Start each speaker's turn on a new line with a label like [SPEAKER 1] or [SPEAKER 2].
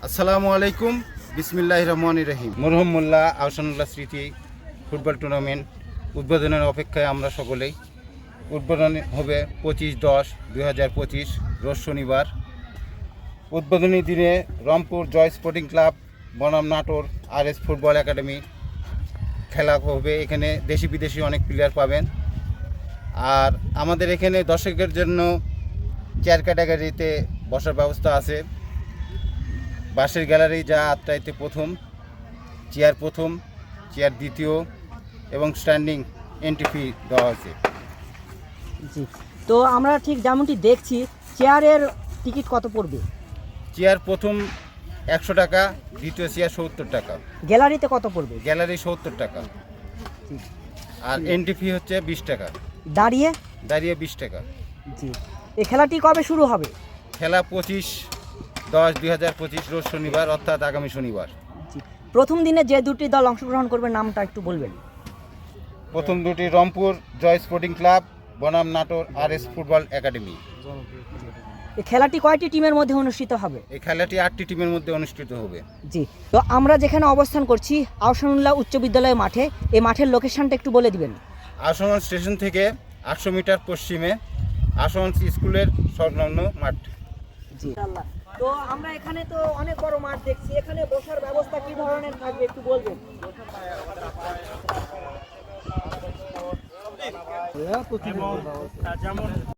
[SPEAKER 1] আসসালামু আলাইকুম, বিসমিল্লাহির রহমানির রহিম। মরহুম মোল্লা আহসানুল্লাহ স্মৃতি ফুটবল টুর্নামেন্ট উদ্বোধনের অপেক্ষায় আমরা সকলেই। উদ্বোধন হবে 25/10/2025 রোজ শনিবার। উদ্বোধনী দিনে রংপুর জয় স্পোর্টিং ক্লাব বনাম নাটোর RS ফুটবল একাডেমি খেলা হবে। এখানে দেশি বিদেশি অনেক প্লেয়ার পাবেন। আর আমাদের এখানে দর্শকের জন্য চেয়ার ক্যাটাগরিতে বসার ব্যবস্থা আছে। বাসের গ্যালারি যা আত্মাইতে প্রথম, চেয়ার দ্বিতীয় এবং স্ট্যান্ডিং এন্ট্রি ফি দেওয়া হয়েছে।
[SPEAKER 2] জি, তো আমরা ঠিক যেমনটি দেখছি, চেয়ারের টিকিট কত পড়বে?
[SPEAKER 1] চেয়ার প্রথম 100 টাকা, দ্বিতীয় চেয়ার 70 টাকা,
[SPEAKER 2] গ্যালারিতে কত পড়বে?
[SPEAKER 1] গ্যালারি 70 টাকা, আর এন্ট্রি ফি হচ্ছে 20 টাকা,
[SPEAKER 2] দাঁড়িয়ে
[SPEAKER 1] 20 টাকা।
[SPEAKER 2] জি, এই খেলাটি কবে শুরু হবে?
[SPEAKER 1] খেলা 25/10/2025 রোজ শনিবার, অর্থাৎ আগামী শনিবার।
[SPEAKER 2] জি, প্রথম দিনে যে দুটি দল অংশগ্রহণ করবে নামটা একটু বলবেন।
[SPEAKER 1] প্রথম দুটি রংপুর জয় স্পোর্টিং ক্লাব বনাম নাটোর RS ফুটবল একাডেমি।
[SPEAKER 2] এই খেলাটি কয়টি টিমের মধ্যে অনুষ্ঠিত হবে?
[SPEAKER 1] এই খেলাটি 8টি টিমের মধ্যে অনুষ্ঠিত হবে।
[SPEAKER 2] জি, তো আমরা যেখানে অবস্থান করছি আহসানুল্লাহ উচ্চ বিদ্যালয় মাঠে, এই মাঠের লোকেশনটা একটু বলে দিবেন।
[SPEAKER 1] আশুগঞ্জ স্টেশন থেকে 800 মিটার পশ্চিমে আশুগঞ্জ স্কুলের সংলগ্ন মাঠ।
[SPEAKER 2] জি, তো আমরা এখানে তো অনেক বড় মাঠ দেখছি, এখানে বসার ব্যবস্থা কি ধরনের থাকবে একটু বলবেন। যেমন